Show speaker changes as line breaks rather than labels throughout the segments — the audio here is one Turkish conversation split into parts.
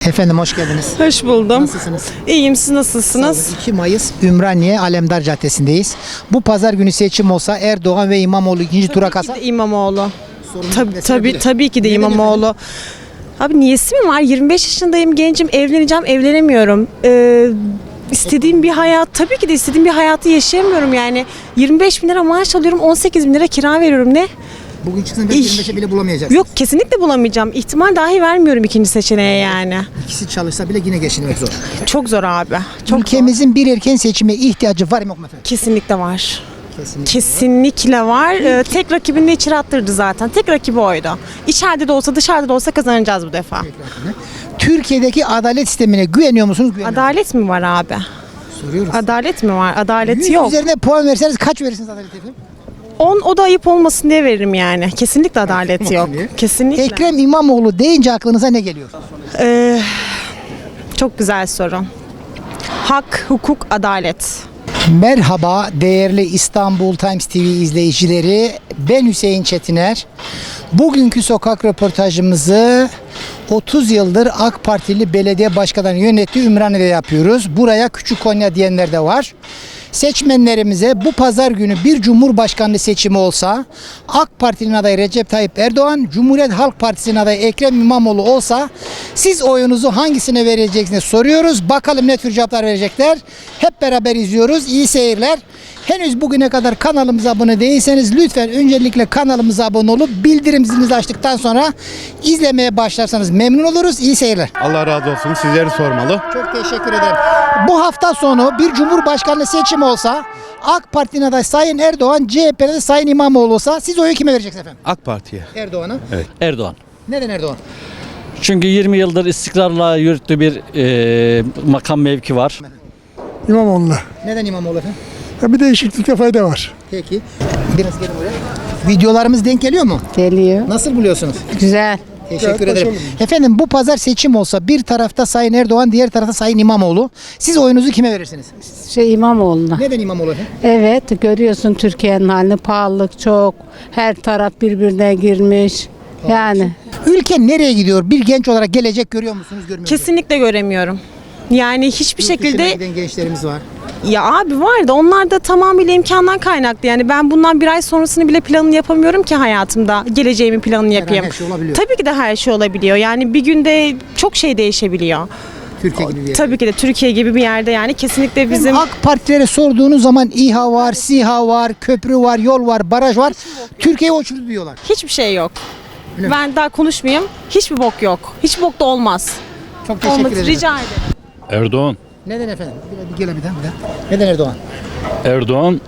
Efendim hoş geldiniz.
Hoş buldum.
Nasılsınız?
İyiyim, siz nasılsınız?
2 Mayıs Ümraniye Alemdar Caddesi'ndeyiz. Bu pazar günü seçim olsa Erdoğan ve İmamoğlu ikinci tura kalsa
İmamoğlu.
sorumluluk
Tabii ki de
Neden
İmamoğlu. Abi niyesi mi var? 25 yaşındayım, gencim, evleneceğim, evlenemiyorum. İstediğim bir hayat, tabii ki de istediğim bir hayatı yaşayamıyorum yani. 25 bin lira maaş alıyorum, 18 bin lira kira veriyorum, ne?
Bugün çıksın 25'e bile bulamayacaksınız.
Yok, kesinlikle bulamayacağım. İhtimal dahi vermiyorum ikinci seçeneğe yani.
İkisi çalışsa bile yine geçinmek zor.
Çok zor abi. Çok zor.
Ülkemizin bir erken seçime ihtiyacı var mı yok mu efendim?
Kesinlikle var.
Kesinlikle.
Kesinlikle var. Tek rakibini de içeri attırdı zaten. Tek rakibi oydu. İçeride de olsa dışarıda da olsa kazanacağız bu defa.
Türkiye'deki adalet sistemine güveniyor musunuz? Güveniyor musunuz?
Adalet mi var abi?
Soruyoruz.
Adalet mi var? Adalet
100
yok.
üzerine puan verseniz kaç verirsiniz adalet efendim?
10, o da ayıp olmasın diye veririm yani. Kesinlikle adalet yok.
diye.
Kesinlikle.
Ekrem İmamoğlu deyince aklınıza ne geliyor?
Çok güzel soru. Hak, hukuk, adalet.
Merhaba değerli İstanbul Times TV izleyicileri. Ben Hüseyin Çetiner. Bugünkü sokak röportajımızı 30 yıldır AK Partili belediye başkanı yönettiği Ümraniye'de yapıyoruz. Buraya Küçük Konya diyenler de var. Seçmenlerimize bu pazar günü bir cumhurbaşkanlığı seçimi olsa AK Parti'nin adayı Recep Tayyip Erdoğan, Cumhuriyet Halk Partisi'nin adayı Ekrem İmamoğlu olsa siz oyunuzu hangisine vereceksiniz soruyoruz. Bakalım ne tür cevaplar verecekler. Hep beraber izliyoruz. İyi seyirler. Henüz bugüne kadar kanalımıza abone değilseniz lütfen öncelikle kanalımıza abone olup bildirim zilinizi açtıktan sonra izlemeye başlarsanız memnun oluruz. İyi seyirler.
Allah razı olsun. Sizleri sormalı.
Çok teşekkür ederim. Bu hafta sonu bir cumhurbaşkanlığı seçimi olsa AK Parti'nin adayı Sayın Erdoğan, CHP'de de Sayın İmamoğlu olsa siz oyu kime vereceksiniz efendim?
AK Parti'ye.
Erdoğan'a.
Erdoğan.
Neden Erdoğan?
Çünkü 20 yıldır istikrarla yürüttüğü bir makam mevki var.
İmamoğlu'na.
Neden İmamoğlu efendim?
Ya bir değişiklikte fayda var.
Peki. Biraz gelin buraya. Videolarımız denk geliyor mu?
Geliyor.
Nasıl buluyorsunuz?
Güzel.
Teşekkür ederim. Efendim bu pazar seçim olsa bir tarafta Sayın Erdoğan, diğer tarafta Sayın İmamoğlu. Siz oyunuzu kime verirsiniz?
İmamoğlu'na.
Neden İmamoğlu efendim?
Evet, görüyorsun Türkiye'nin halini, pahalılık çok. Her taraf birbirine girmiş. Yani
Ülke nereye gidiyor? Bir genç olarak gelecek görüyor musunuz, görmüyor musunuz?
Kesinlikle göremiyorum. Yani hiçbir
Yurt dışına
şekilde
giden gençlerimiz var.
ya abi var da onlar da tamamıyla imkandan kaynaklı. Yani ben bundan bir ay sonrasını bile planını yapamıyorum ki hayatımda. Geleceğimin planını yapayım.
her şey olabiliyor.
Tabii ki de her şey olabiliyor. Yani bir günde çok şey değişebiliyor.
Türkiye gibi bir yer.
Tabii ki de Türkiye gibi bir yerde yani kesinlikle bizim
AK Partilere sorduğunuz zaman İHA var, SİHA var, köprü var, yol var, baraj var. Türkiye'yi uçurdu diyorlar.
hiçbir şey yok.
Öyle mi?
Ben daha konuşmayayım. Hiçbir bok yok. Hiç bok da olmaz.
Çok teşekkür
Olmaz.
ederim.
Rica ederim.
Erdoğan.
Neden efendim? Bir gel bir daha. Neden Erdoğan?
Erdoğan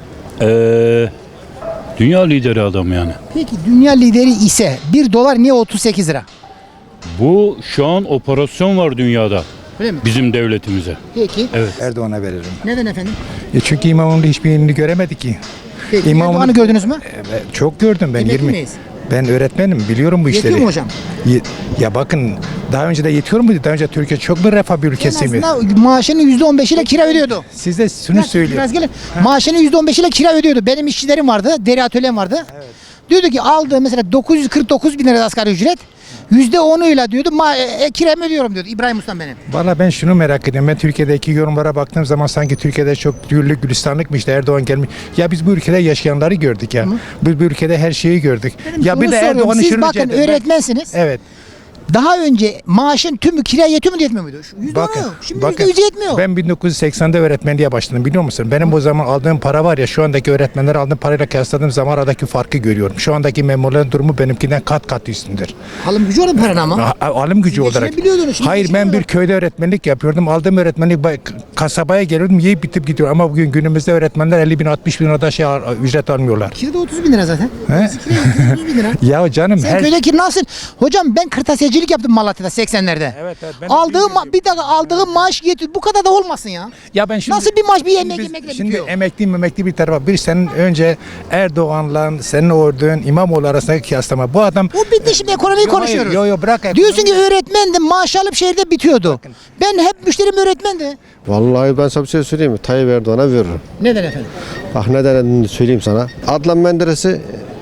dünya lideri adam yani.
Peki dünya lideri ise 1 dolar niye 38 lira?
Bu şu an operasyon var dünyada
Öyle mi?
bizim devletimize.
Peki.
Erdoğan'a veririm.
Neden efendim?
Çünkü İmamoğlu'nun hiçbir yerini göremedik ki.
Peki.
İmamoğlu-
Erdoğan'ı gördünüz mü?
Çok gördüm ben
Emekli
20.
miyiz?
Ben öğretmenim, biliyorum bu
Yetiyor
işleri.
mu hocam?
Ya bakın, daha önce de yetiyor muydu? Daha önce Türkiye çok bir refah bir
En
ülkesi mi?
azından maaşının %15 ile kira ödüyordu.
Siz de şunu söylüyorum.
Biraz gelin. Maaşının %15 ile kira ödüyordu. Benim işçilerim vardı. Deri atölyem vardı. Diyordu ki aldığı mesela 949 bin lira asgari ücret. %10'uyla diyordu kiramı ödüyorum diyordu İbrahim Ustam benim.
Valla ben şunu merak ediyorum. Ben Türkiye'deki yorumlara baktığım zaman sanki Türkiye'de çok güllük gülistanlıkmış işte Erdoğan gelmiş. Ya biz bu ülkede yaşayanları gördük ya. Biz bu ülkede her şeyi gördük. Ya
Şunu
bir de
soruyorum,
Erdoğan'ı
siz
şunu
bakın öğretmensiniz.
Evet.
Daha önce maaşın tümü kiraya yetiyor mu yetmiyor muydu? %10'u. Şimdi %100 yetmiyor.
Ben 1980'de öğretmenliğe başladım biliyor musun? Benim o zaman aldığım para var ya şu andaki öğretmenler aldığım parayla kıyasladığım zaman aradaki farkı görüyorum. Şu andaki memurların durumu benimkinden kat kat üstündür.
Alım gücü olan paran ama.
Alım gücü
Siz
olarak.
geçinebiliyordunuz, şimdi
Hayır ben bir
geçinemiyorlar.
köyde öğretmenlik yapıyordum. Aldığım öğretmenlik kasabaya geliyordum yiyip bitip gidiyor. Ama bugün günümüzde öğretmenler 50 bin 60 bin lirada ücret almıyorlar.
Kirada 30 bin lira zaten.
He?
Kirada 30 bin lira.
Ya canım
Sen köydeki nasıl? Hocam ben kırtasiyecilik yaptım Malatya'da 80'lerde.
Evet, ben de
Aldığım
bilmiyorum.
bir dakika aldığım maaş yetiyor. Bu kadar da olmasın ya.
Ya ben şimdi,
Nasıl bir maaş bir
şimdi
yemek
biz-
yemekle
Şimdi
bitiyor?
emekli bir tarafa. Bir senin önce Erdoğan'la senin ordun İmamoğlu arasındaki kıyaslama. Bu adam
O bitti şimdi ekonomiyi konuşuyoruz.
Yo bırak.
Diyorsun ki öğretmendim maaş alıp şehirde bitiyordu. Ben hep müşterim öğretmendi.
Vallahi ben sana bir şey söyleyeyim mi? Tayyip Erdoğan'a veririm.
Neden efendim?
Bak neden söyleyeyim sana. Adnan Menderes'i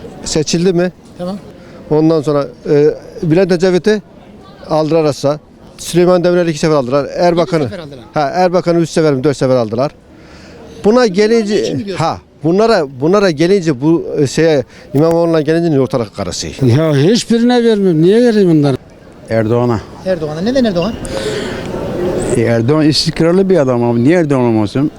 seçildi mi?
Tamam.
Ondan sonra Bülent Ecevit'i aldırarsa Süleyman Demirel'i 2 sefer aldılar. Erbakan'ı.
sefer aldılar.
Erbakan'ı 3 sefer mi 4 sefer aldılar. Buna
için mi
gelince
diyorsun?
bunlara gelince bu İmamoğlu'na gelince ortalık karası.
Ya hiçbirine vermiyorum. Niye vereyim bunları?
Erdoğan'a.
Erdoğan'a. Neden Erdoğan?
Erdoğan istikrarlı bir adam abi. Niye Erdoğan olmasın?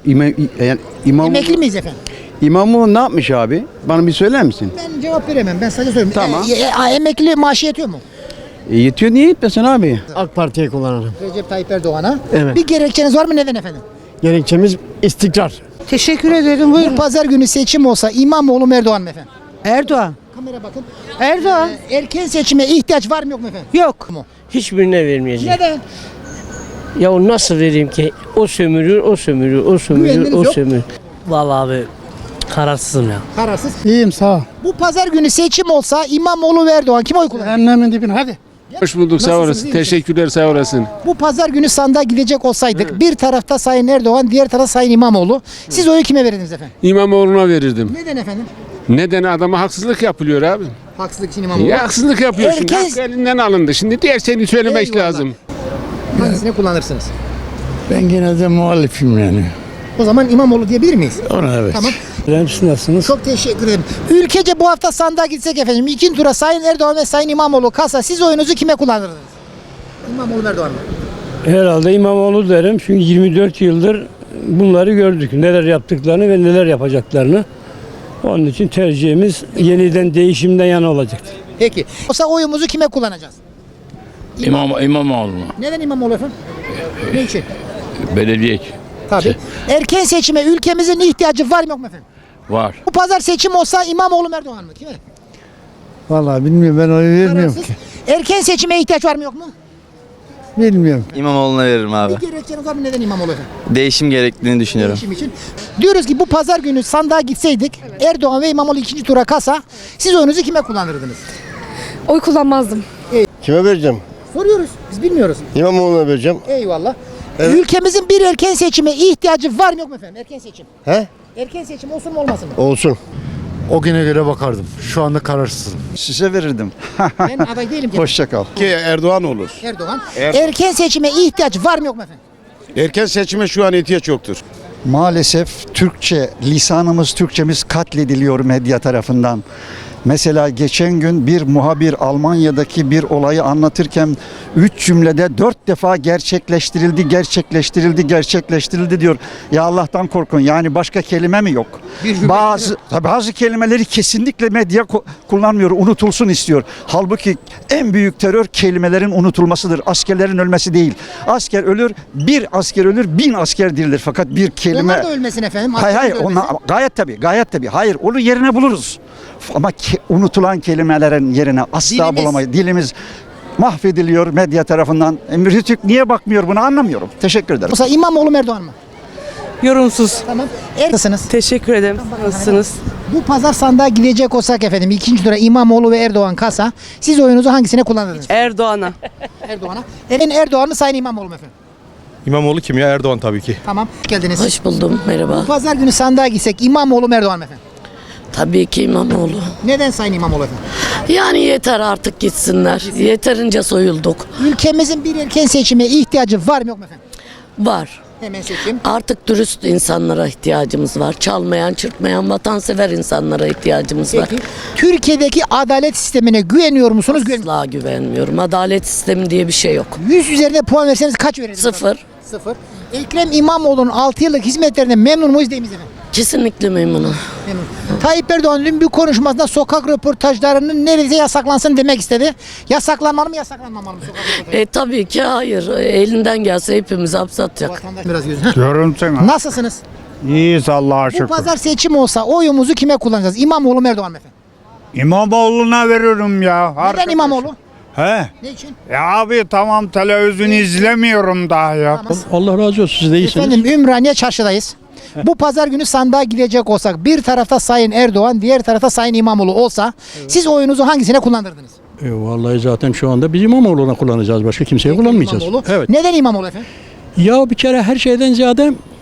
Emekli miyiz efendim?
İmamoğlu ne yapmış abi? Bana bir söyler misin?
Ben cevap veremem. Ben sadece söyleyeyim.
Tamam.
Emekli maaşı yetiyor mu?
Yetiyor niye yetmesin abi?
AK Parti'yi kullanırım.
Recep Tayyip Erdoğan'a.
Evet.
Bir gerekçeniz var mı? Neden efendim?
Gerekçemiz istikrar.
Teşekkür ederim.
Bu pazar günü seçim olsa İmamoğlu mu Erdoğan mı efendim?
Erdoğan.
Kamera bakın.
Erdoğan.
Erken seçime ihtiyaç var mı yok mu efendim?
Yok.
Hiçbirine vermeyeceğim.
Neden?
Ya o nasıl vereyim ki? O sömürür, o sömürür, o sömürür,
Güveniniz
o
yok.
sömürür. Vallahi abi kararsızım ya.
Kararsız.
İyiyim sağ ol.
Bu pazar günü seçim olsa İmamoğlu ve Erdoğan kim oy kullanır?
Cehennemin dibine hadi.
Hoş bulduk, sağ
Nasılsınız,
olasın.
iyi misiniz?
Teşekkürler, sağ olasın.
Bu pazar günü sandığa gidecek olsaydık bir tarafta Sayın Erdoğan, diğer tarafta Sayın İmamoğlu. Siz oyu kime verirdiniz efendim?
İmamoğlu'na verirdim.
Neden efendim?
Neden? Adama haksızlık yapılıyor abi.
Haksızlık için İmamoğlu.
Ya haksızlık yapıyor şimdi.
Herkes-
Hakkı elinden alındı. Şimdi diğer şeyini söylemek
Eyvallah.
lazım.
Hangisini kullanırsınız?
Ben gene de muhalifim yani.
O zaman İmamoğlu diyebilir miyiz?
Ona evet.
Tamam.
Siz nasılsınız?
Çok teşekkür ederim. Ülkece bu hafta sandığa gitsek efendim. İkinci tura Sayın Erdoğan ve Sayın İmamoğlu kalsa siz oyunuzu kime kullanırdınız? İmamoğlu mu, Erdoğan mı?
Herhalde İmamoğlu derim çünkü 24 yıldır bunları gördük. Neler yaptıklarını ve neler yapacaklarını. Onun için tercihimiz yeniden değişimden yana olacaktır.
Peki. Olsa oyumuzu kime kullanacağız?
İmamoğlu mu?
Neden İmamoğlu efendim? Ne için?
Belediye
Tabii. Erken seçime ülkemizin ihtiyacı var mı yok mu efendim?
var.
Bu pazar seçim olsa İmamoğlu mu, Erdoğan mı? Kime?
Vallahi bilmiyorum, ben oy vermiyorum
Kararsız.
ki.
Erken seçime ihtiyaç var mı yok mu?
Bilmiyorum.
İmamoğlu'na veririm abi.
Bir gerekçeniz var mı? Neden İmamoğlu efendim?
Değişim gerektiğini düşünüyorum.
Değişim için. Diyoruz ki bu pazar günü sandığa gitseydik Erdoğan ve İmamoğlu ikinci tura kalsa siz oyunuzu kime kullanırdınız?
Oy kullanmazdım.
Kime vereceğim?
Soruyoruz. Biz bilmiyoruz.
İmamoğlu'na vereceğim.
Eyvallah. Ülkemizin bir erken seçime ihtiyacı var mı yok mu efendim? Erken seçim.
He?
Erken seçim olsun mu olmasın mı?
Olsun.
O güne göre bakardım. Şu anda kararsızım.
Size verirdim.
Ben aday değilim ki.
Hoşça kal.
Ki Erdoğan olur.
Erdoğan. Erken seçime ihtiyaç var mı yok mu efendim?
Erken seçime şu an ihtiyaç yoktur.
Maalesef Türkçe, lisanımız, Türkçemiz katlediliyor medya tarafından. Mesela geçen gün bir muhabir Almanya'daki bir olayı anlatırken 3 cümlede 4 defa gerçekleştirildi diyor. Ya Allah'tan korkun, yani başka kelime mi yok? Bazı kelimeleri kesinlikle medya kullanmıyor, unutulsun istiyor. Halbuki en büyük terör kelimelerin unutulmasıdır. Askerlerin ölmesi değil. Asker ölür, bir asker ölür, 1000 asker dirilir. Fakat bir kelime...
Onlar da ölmesin efendim.
Hayır,
askerler de ölmesin.
gayet tabii. Hayır, onu yerine buluruz. Ama unutulan kelimelerin yerine asla
Dilimiz.
bulamayız. Dilimiz mahvediliyor medya tarafından. Rütük niye bakmıyor, bunu anlamıyorum. Teşekkür ederim.
Olsa İmamoğlu mu, Erdoğan mı?
Yorumsuz.
Tamam. Nasılsınız?
Teşekkür ederim. Nasılsınız?
Bu pazar sandığa gidecek olsak efendim ikinci tura İmamoğlu ve Erdoğan kalsa siz oyunuzu hangisine kullanırdınız?
Erdoğan'a.
Erdoğan'a. Erdoğan mı Sayın İmamoğlu mu efendim?
İmamoğlu kim ya? Erdoğan tabii ki.
Tamam. Geldiniz.
Hoş buldum. Merhaba.
Bu pazar günü sandığa gitsek İmamoğlu mu, Erdoğan mı efendim?
Tabii ki İmamoğlu.
Neden Sayın İmamoğlu efendim?
Yani yeter artık gitsinler. Yeterince soyulduk.
Ülkemizin bir erken seçime ihtiyacı var mı yok mu efendim?
Var.
Hemen seçim.
Artık dürüst insanlara ihtiyacımız var. Çalmayan, çırpmayan, vatansever insanlara ihtiyacımız var.
Peki. Türkiye'deki adalet sistemine güveniyor musunuz?
Asla güvenmiyorum. Adalet sistemi diye bir şey yok.
100 üzerinde puan verseniz kaç verirsiniz?
0.
0. Ekrem İmamoğlu'nun 6 yıllık hizmetlerinden memnun muyuz değil miyiz efendim?
Kesinlikle memnunum.
Memnun. Tayyip Erdoğan dün bir konuşmasında sokak röportajlarının neredeyse yasaklansın demek istedi. Yasaklanmalı mı, yasaklanmamalı mı sokak röportajı?
Tabii ki hayır. Elinden gelse hepimizi hapse atacak.
Vatandaş biraz gözü.
Diyorum sana.
Nasılsınız?
İyiyiz Allah'a
Bu
şükür.
pazar seçim olsa oyumuzu kime kullanacağız? İmamoğlu mu, Erdoğan mı efendim?
İmamoğlu'na veriyorum ya.
Neden İmamoğlu?
He?
Ne için?
Ya abi tamam, televizyon izlemiyorum daha ya.
Tamam.
Allah razı olsun, siz de iyisiniz.
Efendim Ümraniye çarşıdayız. Bu pazar günü sandığa gidecek olsak bir tarafta Sayın Erdoğan, diğer tarafta Sayın İmamoğlu olsa siz oyunuzu hangisine kullanırdınız?
Vallahi zaten şu anda biz İmamoğlu'na kullanacağız. Başka kimseye kullanmayacağız.
İmamoğlu.
Evet.
Neden İmamoğlu efendim?
Ya bir kere her şeyden ziyade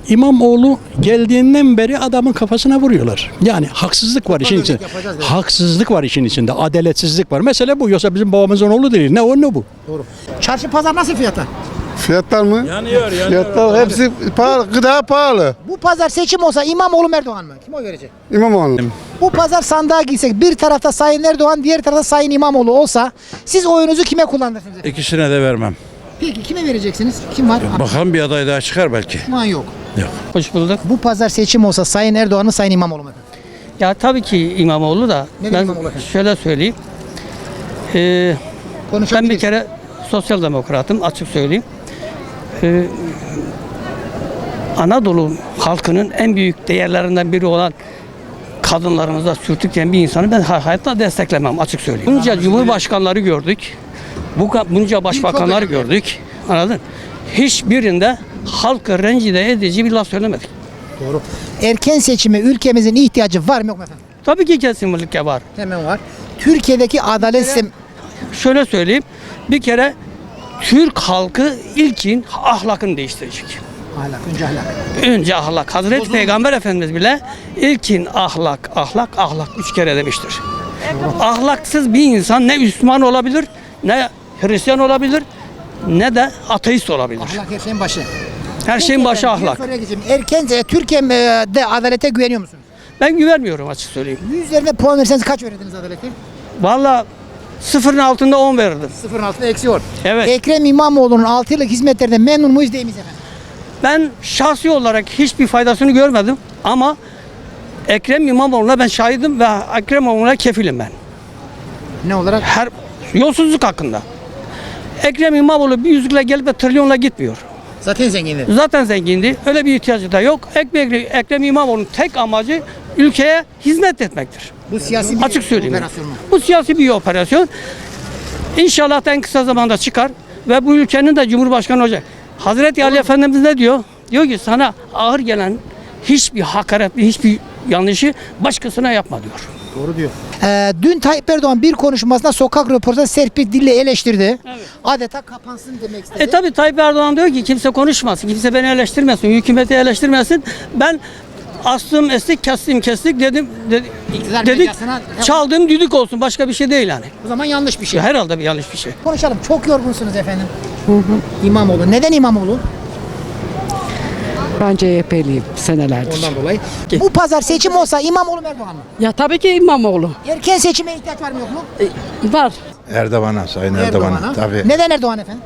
İmamoğlu geldiğinden beri adamın kafasına vuruyorlar. Yani haksızlık var işin içinde. Haksızlık var işin içinde. Adaletsizlik var. Mesela bu. Yoksa bizim babamızın oğlu değil. Ne o ne bu?
Doğru. Çarşı pazar nasıl fiyatlar?
Fiyatlar mı?
Yanıyor.
Fiyatlar hepsi pahalı, gıda pahalı.
Bu pazar seçim olsa İmamoğlu mu Erdoğan mı? Kim oy verecek?
İmamoğlu.
Bu pazar sandığa girsek bir tarafta Sayın Erdoğan, diğer tarafta Sayın İmamoğlu olsa siz oyunuzu kime kullanırsınız efendim?
İkisine de vermem.
Peki kime vereceksiniz? Kim var?
Bakalım bir aday daha çıkar belki.
Şu an yok.
Hoş bulduk.
Bu pazar seçim olsa Sayın Erdoğan mı Sayın İmamoğlu mu efendim?
Ya tabii ki İmamoğlu da.
Neden
Ben
İmamoğlu efendim?
şöyle söyleyeyim. Ben
Konuşabiliriz.
bir kere sosyal demokratım, açık söyleyeyim. Anadolu halkının en büyük değerlerinden biri olan kadınlarımıza sürtükleyen bir insanı ben hayatta desteklemem, açık söyleyeyim. Bunca cumhurbaşkanları gördük. Bunca başbakanları gördük. Anladın? Hiçbirinde halkı rencide edici bir laf söylemedik.
Doğru. Erken seçime ülkemizin ihtiyacı var mı yok mu efendim?
Tabii ki kesinlikle var.
Hemen var. Türkiye'deki adalet sistemi...
Şöyle söyleyeyim. Bir kere Türk halkı ilkin ahlakını değiştirecek.
Ahlak, önce ahlak.
Önce ahlak. Hazreti Peygamber Efendimiz bile ilkin ahlak, ahlak 3 kere demiştir. Ahlaksız bir insan ne Müslüman olabilir, ne Hristiyan olabilir, ne de ateist olabilir.
Ahlak her şeyin başı.
Her şeyin başı ahlak.
Erken Türkiye'de adalete güveniyor musunuz?
Ben güvenmiyorum, açık söyleyeyim.
100 üzerinden puan verirseniz kaç verirdiniz adalete?
Vallahi sıfırın altında 10 verirdim.
Sıfırın altında eksi 10.
Evet.
Ekrem İmamoğlu'nun 6 yıllık hizmetlerinden memnun muyuz değil miyiz efendim?
Ben şahsi olarak hiçbir faydasını görmedim ama Ekrem İmamoğlu'na ben şahidim ve Ekrem İmamoğlu'na kefilim ben.
Ne olarak?
Her yolsuzluk hakkında. Ekrem İmamoğlu bir yüzükle gelip de trilyonla gitmiyor.
Zaten zenginler.
Zaten zengindi. Öyle bir ihtiyacı da yok. Ekrem İmamoğlu'nun tek amacı ülkeye hizmet etmektir.
Bu siyasi bir
Açık söyleyeyim.
operasyon mu?
Bu siyasi bir operasyon. İnşallah en kısa zamanda çıkar ve bu ülkenin de Cumhurbaşkanı olacak. Hazreti Ali Efendimiz ne diyor? Diyor ki sana ağır gelen hiçbir hakaretli, hiçbir yanlışı başkasına yapma diyor.
Doğru diyor. Dün Tayyip Erdoğan bir konuşmasında sokak röportajı serpik dille eleştirdi. Evet. Adeta kapansın demek istedi.
Tabi Tayyip Erdoğan diyor ki kimse konuşmasın, kimse beni eleştirmesin, hükümeti eleştirmesin. Ben astım estik, kestim kestik dedim. Dedik çaldığım düdük olsun, başka bir şey değil yani.
O zaman yanlış bir şey.
Herhalde bir yanlış bir şey.
Konuşalım. Çok yorgunsunuz efendim. İmamoğlu. Neden İmamoğlu?
Ben CHP'liyim senelerdir.
Ondan dolayı. Bu pazar seçim olsa İmamoğlu mu Erdoğan mı?
Ya tabii ki İmamoğlu.
Erken seçime ihtiyaç var mı yok mu?
Var.
Erdoğan'a, Sayın Erdoğan'a. Tabii.
Neden Erdoğan efendim?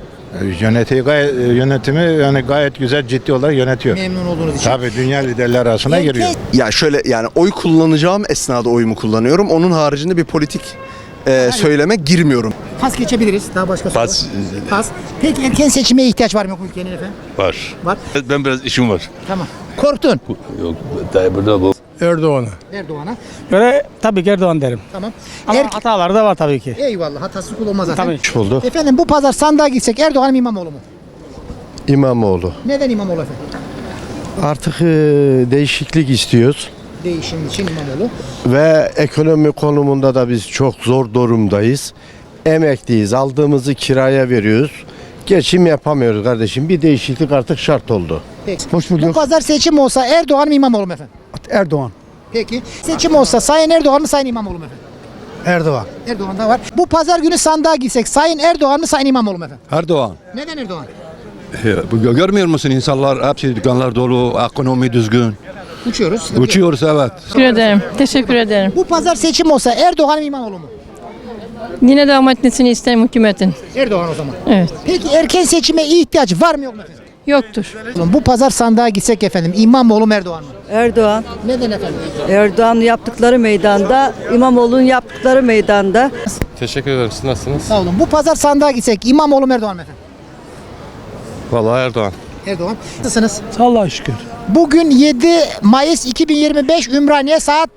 Yönetimi yani gayet güzel, ciddi olarak yönetiyor.
Memnun olduğunuz için.
Tabii dünya liderler arasına giriyor.
Ya şöyle yani oy kullanacağım esnada oyumu kullanıyorum. Onun haricinde bir politik söyleme girmiyorum.
Pas geçebiliriz. Daha başka soru. Pas. Peki erken seçime ihtiyaç var mı yok mu ülkenin efendim?
Var.
Var.
Ben biraz işim var.
Tamam. Korktun.
Yok, burada bu.
Erdoğan'a.
Erdoğan'a.
Böyle tabii ki Erdoğan derim.
Tamam.
Ama hataları da var tabii ki.
Eyvallah. Hatası kul olmaz zaten.
Tabii.
Oldu.
Efendim bu pazar sandığa gitsek Erdoğan mı İmamoğlu mu?
İmamoğlu.
Neden İmamoğlu efendim?
Artık değişiklik istiyoruz.
Değişim için İmamoğlu.
Ve ekonomi konumunda da biz çok zor durumdayız. Emekliyiz. Aldığımızı kiraya veriyoruz. Geçim yapamıyoruz kardeşim. Bir değişiklik artık şart oldu.
Peki.
Hoş
Bu pazar seçim olsa Erdoğan mı İmamoğlu mu efendim?
Erdoğan.
Peki. Seçim olsa Sayın Erdoğan mı Sayın İmamoğlu mu efendim?
Erdoğan.
Erdoğan da var. Bu pazar günü sandığa gitsek Sayın Erdoğan mı Sayın İmamoğlu mu efendim?
Erdoğan.
Neden Erdoğan?
Görmüyor musun insanlar hepsi dükkanlar dolu, ekonomi düzgün.
Uçuyoruz.
Uçuyoruz evet.
Teşekkür ederim. Teşekkür ederim.
Bu pazar seçim olsa Erdoğan mı İmamoğlu mu?
Yine devam etmesini isterim hükümetin.
Erdoğan o zaman.
Evet.
Peki erken seçime ihtiyaç var mı yok mu efendim?
Yoktur.
Bu pazar sandığa gitsek efendim İmamoğlu mu Erdoğan mı?
Erdoğan.
Neden efendim?
Erdoğan'ın yaptıkları meydanda, İmamoğlu'nun yaptıkları meydanda.
Teşekkür ederim. Siz nasılsınız?
Sağ olun. Bu pazar sandığa gitsek İmamoğlu mu Erdoğan mı efendim?
Vallahi Erdoğan.
Erdoğan. Nasılsınız?
Allah'a şükür.
Bugün 7 Mayıs 2025 Ümraniye saat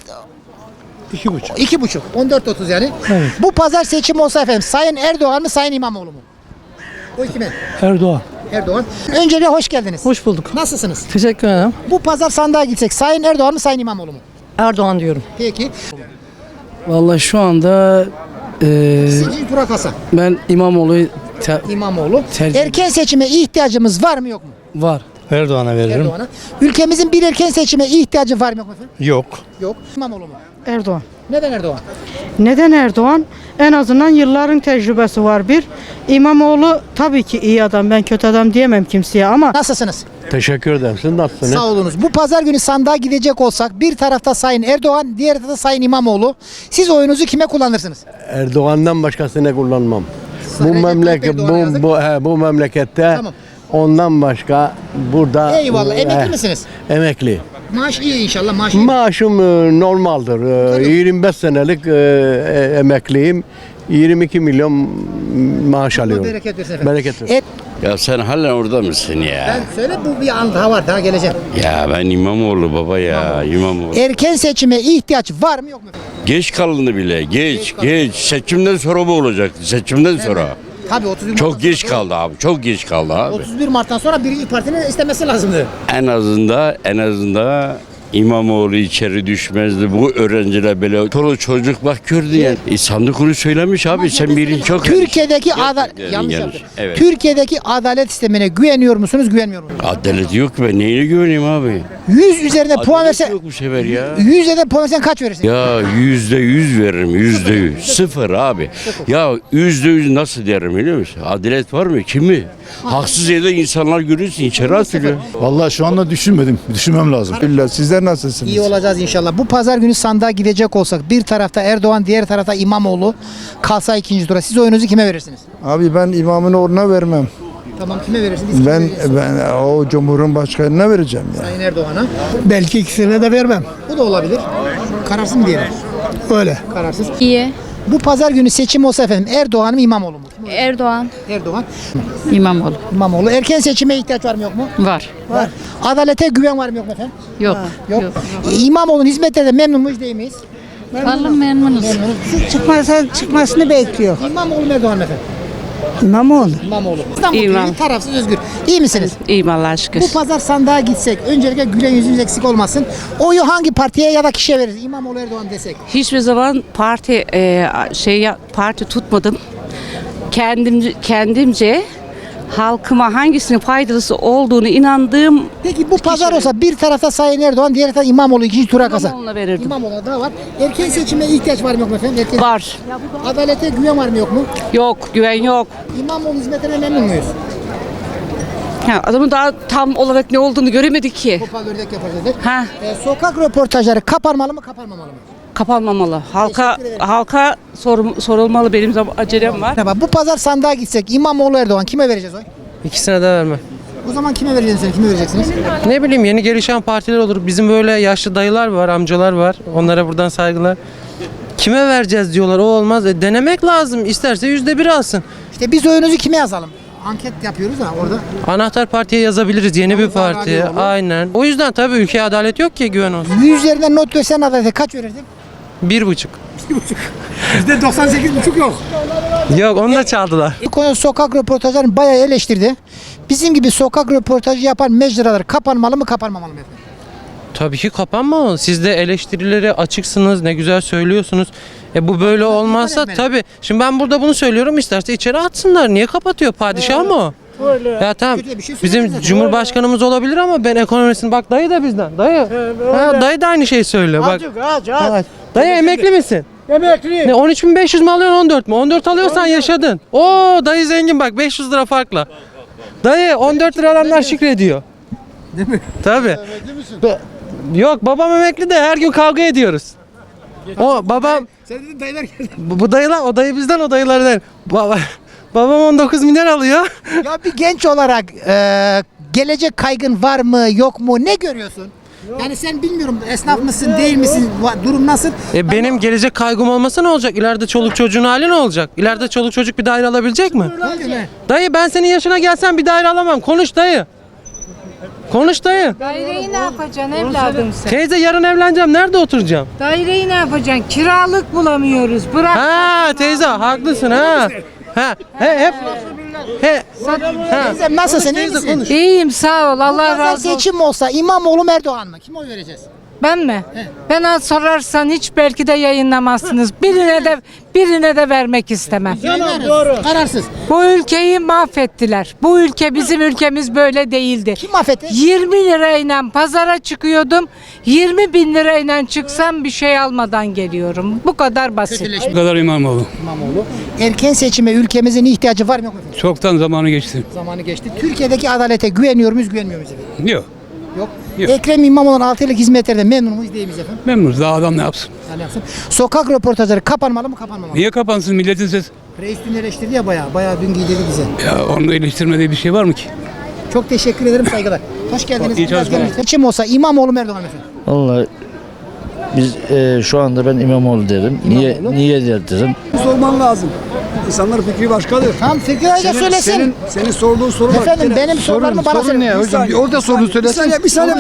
2.30. 14.30 yani.
Evet.
Bu pazar seçim olsa efendim Sayın Erdoğan mı Sayın İmamoğlu mu? O kime?
Erdoğan.
Erdoğan. Öncelikle hoş geldiniz.
Hoş bulduk.
Nasılsınız?
Teşekkür ederim.
Bu pazar sandığa gitsek Sayın Erdoğan mı Sayın İmamoğlu mu?
Erdoğan diyorum.
Peki.
Vallahi şu anda
Sizin tura kasa.
ben İmamoğlu'yu
İmamoğlu.
Tercih-
Erken seçime ihtiyacımız var mı yok mu?
var. Erdoğan'a veririm.
Erdoğan'a. Ülkemizin bir erken seçime ihtiyacı var mı yok mu efendim?
Yok.
Yok. İmamoğlu mu?
Erdoğan.
Neden Erdoğan?
Neden Erdoğan? En azından yılların tecrübesi var bir. İmamoğlu tabii ki iyi adam. Ben kötü adam diyemem kimseye ama
Nasılsınız?
Teşekkür ederim. Siz nasılsınız?
Sağ olunuz. Bu pazar günü sandığa gidecek olsak bir tarafta Sayın Erdoğan, diğer tarafta Sayın İmamoğlu. Siz oyunuzu kime kullanırsınız?
Erdoğan'dan başkasını kullanmam.
Recep Tayyip Erdoğan'a yazık.
Bu memlekette
Tamam.
ondan başka burada
Eyvallah. Emekli misiniz?
Emekli.
Maaş iyi inşallah. Maaş iyi.
Maaşım normaldir. 25 senelik emekliyim. 22 milyon maaş alıyorum.
Bereket versin efendim.
Bereket versin.
Ya sen halen orada mısın ya?
Ben söyle bu bir an daha var. Daha geleceğim.
Ya ben İmamoğlu baba ya. İmamoğlu.
Erken seçime ihtiyaç var mı yok mu?
Geç kalındı bile. Geç. Seçimden sonra bu olacak. Seçimden sonra.
Tabii 31
Çok
Mart'tan
geç
sonra-
kaldı abi. Çok geç kaldı abi.
31 Mart'tan sonra birinci partinin istemesi lazımdı.
En azından İmamoğlu içeri düşmezdi. Bu öğrenciler böyle çoluk çocuk bak gördün yani. Sandık onu söylemiş abi. Sen birin çok
Türkiye'deki
Gerçekten
yanlış
yanlış.
yaptım.
Evet.
Türkiye'deki adalet sistemine güveniyor musunuz, güvenmiyor musunuz?
Adalet yok ki ben neyine güveneyim abi?
100 üzerinde puan
Adalet
versen
yok bu sefer ya.
100 üzerinden puan versen kaç verirsin?
Ya %100 veririm %100. Sıfır abi. Ya %100 nasıl derim biliyor musun? Adalet var mı? Kimi? Haksız yerde insanlar görüyorsun içeri atılıyor.
Vallahi şu anda düşünmedim. Düşünmem lazım. Sizler nasılsınız?
İyi olacağız inşallah. Bu pazar günü sandığa gidecek olsak bir tarafta Erdoğan, diğer tarafta İmamoğlu kalsa ikinci tura. Siz oyunuzu kime verirsiniz?
Abi ben imamın oruna vermem.
Tamam kime verirsiniz?
Ben o Cumhurbaşkanına vereceğim ya.
Sayın Erdoğan'a.
Belki ikisine de vermem.
Bu da olabilir. Kararsız mı diyelim?
Öyle.
Kararsız.
İyi.
Bu pazar günü seçim olsa efendim Erdoğan mı İmamoğlu mu?
Erdoğan.
Erdoğan.
İmamoğlu.
İmamoğlu. Erken seçime ihtiyaç var mı yok mu?
Var.
Var. Adalete güven var mı yok mu efendim?
Yok.
Yok. İmamoğlu'nun hizmetlerinde memnun muyuz değil miyiz?
Vallahi memnunuz. Çıkmasını bekliyor.
İmamoğlu mu Erdoğan mı efendim?
İmamoğlu.
İmamoğlu. İstanbul tarafsız özgür. İyi misiniz?
İyiyim Allah'a şükür.
Bu pazar sandığa gitsek öncelikle gülen yüzümüz eksik olmasın. Oyu hangi partiye ya da kişiye veririz? İmamoğlu Erdoğan desek.
Hiçbir zaman parti tutmadım. Kendimce halkıma hangisinin faydalısı olduğunu inandığım
Peki bu pazar olsa bir tarafta Sayın Erdoğan, diğer tarafta İmamoğlu ikinci tura kalsa.
İmamoğlu'na verirdim.
İmamoğlu'na da var. Erken seçime ihtiyaç var mı yok mu efendim?
Var.
Adalete güven var mı yok mu?
Yok, güven yok.
İmamoğlu hizmetine memnun muyuz?
Adamın daha tam olarak ne olduğunu göremedik ki.
Topal ördek yapacağız dedik.
Ha,
Sokak röportajları kapanmalı mı kapanmamalı mı?
kapanmamalı.
Teşekkür ederim.
Halka sorulmalı, benim acelem var.
Merhaba, bu pazar sandığa gitsek İmamoğlu Erdoğan kime vereceğiz oy?
İkisine de vermem.
O zaman kime vereceksiniz sen? Kime vereceksiniz?
Ne bileyim yeni gelişen partiler olur. Bizim böyle yaşlı dayılar var, amcalar var. Onlara buradan saygılar. Kime vereceğiz diyorlar. O olmaz. Denemek lazım. İsterse %1 alsın.
İşte biz oyunuzu kime yazalım? Anket yapıyoruz da orada.
Anahtar partiye yazabiliriz. Yeni bir partiye.
Radyoğlu.
Aynen. O yüzden tabii ülkeye adalet yok ki güven olsun.
100 üzerinden not versen adalete kaç verirdin?
1,5.
%98,5 yok.
Yok onu da çaldılar.
Bu konu sokak röportajlarını bayağı eleştirdi. Bizim gibi sokak röportajı yapan mecralar kapanmalı mı kapanmamalı mı efendim?
Tabii ki kapanmamalı. Siz de eleştirilere açıksınız. Ne güzel söylüyorsunuz. Bu böyle olmazsa tabii. Şimdi ben burada bunu söylüyorum. İsterse içeri atsınlar. Niye kapatıyor? Padişah mı o? Ya tamam.
Kötü bir şey
Bizim
söylemiyorsun.
Cumhurbaşkanımız olabilir ama ben ekonomisini bak dayı da bizden. Dayı. Dayı da aynı şeyi söylüyor. Bak. Evet. Dayı emekli misin?
Emekli.
Ne 13.500 mi alıyorsun 14 mu? 14 alıyorsan yaşadın. Oo dayı zengin bak 500 lira farkla. Dayı 14 lira alanlar şükrediyor.
Değil mi?
Tabii. Yok babam emekli de her gün kavga ediyoruz. O babam
Sen dedin dayılar geldi.
bu dayılar o dayı bizden o dayılar değil. Babam 19 milyar alıyor.
Ya bir genç olarak gelecek kaygın var mı yok mu ne görüyorsun? Yani sen bilmiyorum esnaf mısın değil misin durum nasıl?
Benim gelecek kaygım olmasa ne olacak? İleride çoluk çocuğun hali ne olacak? İleride çoluk çocuk bir daire alabilecek mi? Dayı ben senin yaşına gelsem bir daire alamam. Konuş dayı. Konuş dayı.
Daireyi ne yapacaksın evladım sen?
Teyze yarın evleneceğim. Nerede oturacağım?
Daireyi ne yapacaksın? Kiralık bulamıyoruz. Bırak.
Ha teyze haklısın ha. Ha hep
Teyzem nasılsın iyi misin?
İyiyim sağ ol. Allah
Pazar
razı olsun.
seçim olsa İmamoğlu mu Erdoğan mı? Kime oy vereceğiz?
Ben mi? Bana sorarsan hiç belki de yayınlamazsınız. Birine de vermek istemem.
Doğru. Kararsız.
Bu ülkeyi mahvettiler. Bu ülke bizim ülkemiz böyle değildi.
Kim mahvetti?
20 lirayla pazara çıkıyordum. 20 bin lirayla çıksam bir şey almadan geliyorum. Bu kadar basit.
Bu kadar İmamoğlu.
İmamoğlu. Erken seçime ülkemizin ihtiyacı var mı yok mu efendim?
Çoktan zamanı geçti.
Zamanı geçti. Türkiye'deki adalete güveniyor muyuz, güvenmiyor muyuz efendim?
Yok.
Yok.
Yok.
Ekrem İmamoğlu'nun 6 yıllık hizmetlerden memnun muyuz değil miyiz efendim?
Memnunuz. Daha adam ne yapsın?
Yani yapsın. Sokak röportajları kapanmalı mı kapanmamalı mı?
Niye kapansın milletin sesi?
Reis dün eleştirdi ya bayağı dün giydirdi bize.
Ya onu eleştirmediği bir şey var mı ki?
Çok teşekkür ederim, saygılar. Hoş geldiniz.
İyi çalışmalar.
Seçim olsa İmamoğlu mu Erdoğan efendim?
Vallahi biz şu anda ben İmamoğlu derim. Niye derim?
Sorman lazım. İnsanların fikri başkadır.
Tam fikri ayrıca söylesin.
Senin sorduğun soru var.
Efendim benim sorularımı bana
Sorun ne hocam? Orada sorunu söylesin.
Bir saniye.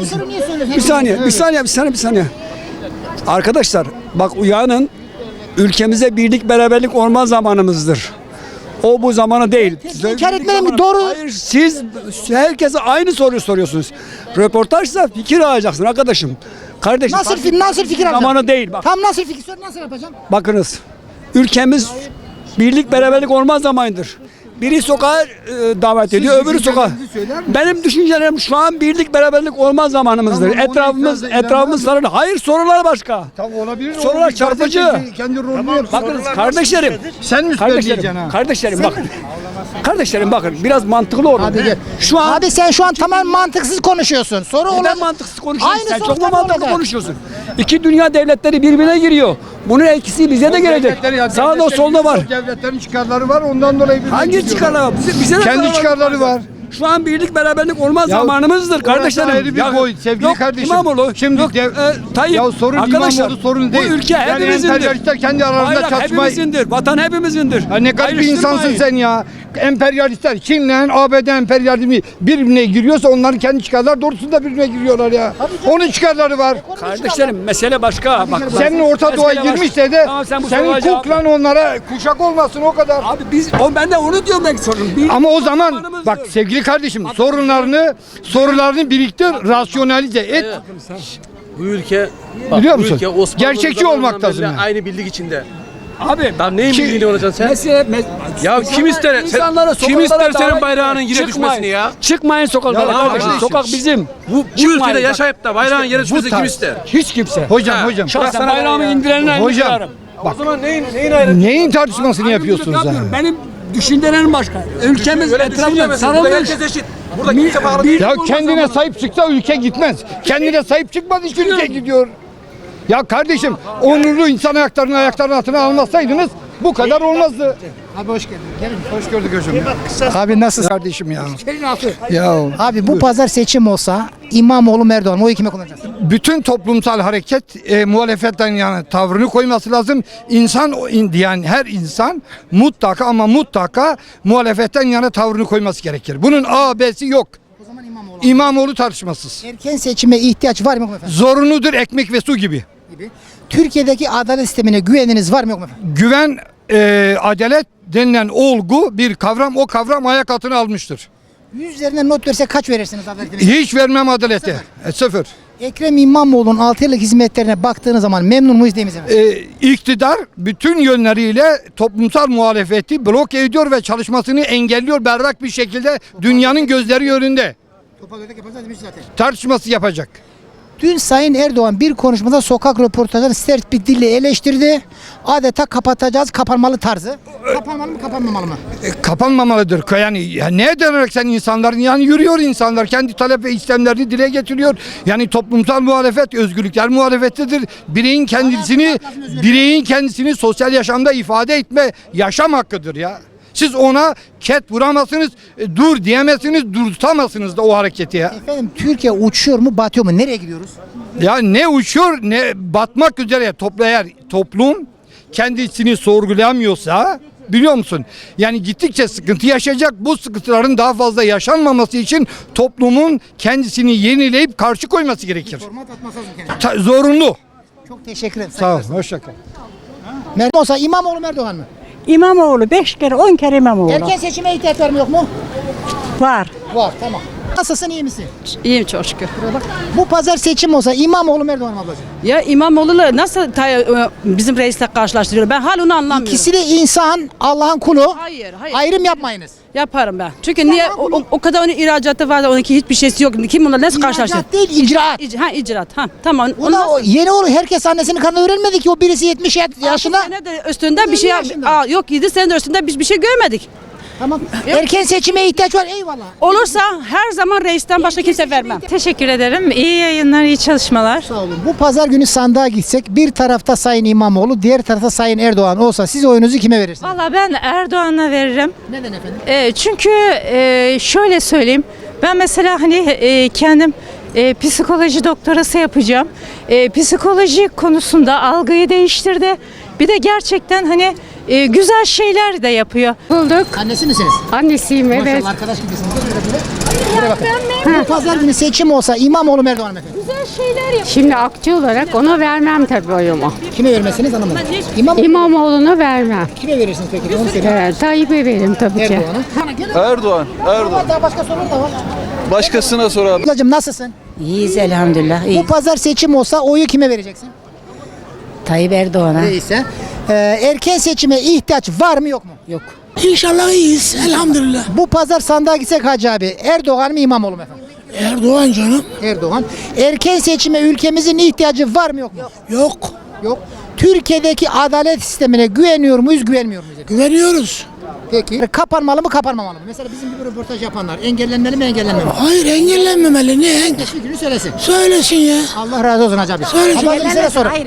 Bir saniye. Arkadaşlar bak uyanın. Ülkemize birlik beraberlik olma zamanımızdır. O bu zamanı değil.
İnkar etmeyin mi? Doğru.
Hayır siz herkese aynı soruyu soruyorsunuz. Röportajsa fikir alacaksın arkadaşım. Kardeşim.
Nasıl fikir alacağım?
Zamanı değil bak.
Tam nasıl fikir sor, nasıl yapacağım?
Bakınız. Ülkemiz birlik beraberlik olmaz zamanıdır. Biri sokağa davet ediyor, öbürü sokağa. Benim düşüncelerim şu an birlik beraberlik olmaz zamanımızdır. Etrafımız sarılı. Hayır sorular başka.
Tamam olabilir.
Sorular çarpıcı.
Kendi rolünü yapsın.
Bakınız kardeşlerim.
Sen mi söyleyeceksin ha?
Kardeşlerim bakın biraz mantıklı olun.
Abi gel. Abi sen şu an tamamen mantıksız konuşuyorsun. Soru
Neden
olacak.
mantıksız konuşuyorsun?
Aynı
Sen
soru
çok mu
tabii
mantıklı
olacak.
konuşuyorsun? İki dünya devletleri birbirine giriyor. Bunun etkisi bize de gelecek. Sağda solda var.
Devletlerin çıkarları var ondan dolayı.
Hangi çıkarları var? Bize de
Kendi
zarar
çıkarları var.
Şu an birlik beraberlik olmaz zamanımızdır kardeşlerim.
Ayrı bir boyut sevgili kardeşim.
İmamoğlu.
Şimdi
Tayyip.
ya sorun
Arkadaşlar,
İmamoğlu sorun değil.
Bu ülke hepimizindir.
Emperyalistler kendi aralarında
Bayrak
çatışmayı.
hepimizindir. Vatan hepimizindir.
Ya ne kadar bir insansın
Ayrıştırmayın.
sen ya. Emperyalistler Çin'le ABD emperyalizmi birbirine giriyorsa onların kendi çıkarlar doğrultusunda birbirine giriyorlar ya. Onun çıkarları var.
Kardeşlerim mesele başka. Bak,
Senin Orta Doğu'ya girmişse de
Tamam, sen bu
senin
soruya cevap-
kuklan onlara kuşak olmasın o kadar.
Abi ben de onu diyorum ben sorun.
Ama o zaman bak sevgili kardeşim sorularını birlikte rasyonalize et.
Bu ülke
Biliyor musun? Gerçekçi olmak lazım. yani.
aynı birlik içinde.
Abi
Lan neyin birliğini olacaksın sen? Ya kim ister? Kim ister senin bayrağının yere düşmesini ya?
Çıkmayın sokaklara
Ya
kardeşim.
abi,
Sokak bizim.
Bu ülkede yaşayıp da bayrağın yere düşmesini kim ister?
Hiç kimse.
Hocam.
Şahsen bayrağımı indirenler
Hocam.
O zaman neyin ayrı?
Neyin tartışmasını yapıyorsunuz ha?
Benim düşüncelerim başka. Ülkemiz etrafında sarılmış.
Herkes eşit. Burada kimse bağlı değil.
Ya kendine sahip çıksa ülke gitmez. Kendine sahip çıkmaz hiç ülke gidiyor. Ya kardeşim onurlu insan ayaklarının altına almasaydınız bu kadar olmazdı.
Abi hoş geldin. Gelin.
Hoş gördük hocam.
Abi nasılsın?
Kardeşim ya. Ya
Abi bu pazar seçim olsa İmamoğlu mu Erdoğan mı? Oyu kime kullanacaksın?
bütün toplumsal hareket muhalefetten yani tavrını koyması lazım. Yani her insan mutlaka muhalefetten yana tavrını koyması gerekir. Bunun A, B'si yok.
O zaman İmamoğlu.
İmamoğlu tartışmasız.
Erken seçime ihtiyaç var mı yok mu efendim?
Zorunudur ekmek ve su gibi.
Türkiye'deki adalet sistemine güveniniz var mı yok mu efendim?
Güven, adalet denilen olgu bir kavram. O kavram ayak altına almıştır.
100 üzerinden not verse kaç verirsiniz adaletine?
Hiç vermem adalete. Sıfır.
Ekrem İmamoğlu'nun 6 yıllık hizmetlerine baktığınız zaman memnun muyuz değil miyiz efendim?
İktidar bütün yönleriyle toplumsal muhalefeti bloke ediyor ve çalışmasını engelliyor berrak bir şekilde dünyanın gözleri önünde. Tartışması yapacak.
Dün Sayın Erdoğan bir konuşmada sokak röportajını sert bir dille eleştirdi. Adeta kapatacağız, kapanmalı tarzı. Kapanmalı mı, kapanmamalı mı?
Kapanmamalıdır. Yani ne denerek sen insanların yani yürüyor insanlar kendi talep ve istemlerini dile getiriyor. Yani toplumsal muhalefet özgürlükler muhalefetidir. Bireyin kendisini sosyal yaşamda ifade etme yaşam hakkıdır ya. Siz ona ket vuramazsınız, dur diyemezsiniz, durduramazsınız da o hareketi ya.
Efendim Türkiye uçuyor mu, batıyor mu? Nereye gidiyoruz?
Ya ne uçuyor ne batmak üzere eğer toplum kendisini sorgulayamıyorsa biliyor musun? Yani gittikçe sıkıntı yaşayacak. Bu sıkıntıların daha fazla yaşanmaması için toplumun kendisini yenileyip karşı koyması gerekir.
Format atması lazım kendine.
Zorunlu.
Çok teşekkür ederim.
Sağ ol. Hoşça kal.
Merdan olsa İmamoğlu mu Erdoğan mı?
İmamoğlu 5 kere 10 kere İmamoğlu.
Erken seçime ihtiyaç var mı yok mu?
Var.
Var tamam. Nasılsın, iyi misin?
İyiyim çok şükür.
Bu pazar seçim olsa İmamoğlu mu Erdoğan mı ablacığım?
Ya İmamoğlu'la nasıl bizim reisle karşılaştırıyor? Ben hala onu anlamıyorum.
İkisi de insan, Allah'ın kulu.
Hayır.
Ayrım yapmayınız.
Yaparım ben. Çünkü niye o kadar onun ihracatı var da onunki hiçbir şeysi yok. Kim bunlar nasıl karşılaştırıyor?
İhracat değil, icraat.
İcraat. Tamam.
Yeni oğlu herkes annesinin karnına öğrenmedi ki o birisi 70 yaşında.
6 sene de üstünde bir şey
yaşında.
yok 7 sene de üstünde biz bir şey görmedik.
Tamam. Erken seçime ihtiyaç var, eyvallah.
Olursa her zaman reisten başka kimse vermem.
Teşekkür ederim. İyi yayınlar, iyi çalışmalar.
Sağ olun. Bu pazar günü sandığa gitsek bir tarafta Sayın İmamoğlu, diğer tarafta Sayın Erdoğan olsa siz oyunuzu kime verirsiniz?
Valla ben Erdoğan'a veririm.
Neden efendim?
Çünkü şöyle söyleyeyim. Ben mesela hani kendim psikoloji doktorası yapacağım. Psikoloji konusunda algıyı değiştirdi. Bir de gerçekten hani güzel şeyler de yapıyor.
Bulduk.
Annesi misiniz?
Annesiyim evet.
Maşallah arkadaş gibisiniz. Buraya bakın. Bu pazar günü seçim olsa İmamoğlu mu Erdoğan mı efendim?
Güzel şeyler yapıyor.
Şimdi akçe olarak ona vermem tabii oyumu.
Kime vermesiniz anlamadım.
İmamoğlu'na vermem.
Kime verirsiniz peki? Onu söyleyin.
Tayyip'e veririm tabii ki.
Erdoğan'a.
Erdoğan.
Daha başka sorular da var.
Başkasına sor abi.
Ablacığım nasılsın?
İyiyiz elhamdülillah.
Bu pazar seçim olsa oyu kime vereceksin?
Tayyip Erdoğan'a.
Neyse. Erken seçime ihtiyaç var mı yok mu?
Yok.
İnşallah iyiyiz elhamdülillah. Bu pazar sandığa gitsek Hacı abi Erdoğan mı İmamoğlu mu efendim?
Erdoğan canım.
Erdoğan. Erken seçime ülkemizin ihtiyacı var mı yok mu?
Yok.
Yok. Türkiye'deki adalet sistemine güveniyor muyuz, güvenmiyor muyuz?
Güveniyoruz.
Peki. Kapanmalı mı, kapanmamalı mı? Mesela bizim gibi röportaj yapanlar engellenmeli mi, engellenmemeli mi?
Hayır engellenmemeli. Niye?
Fikrini söylesin.
Söylesin ya.
Allah razı olsun Hacı abi.
Söylesin.
Ablacığım size sorun.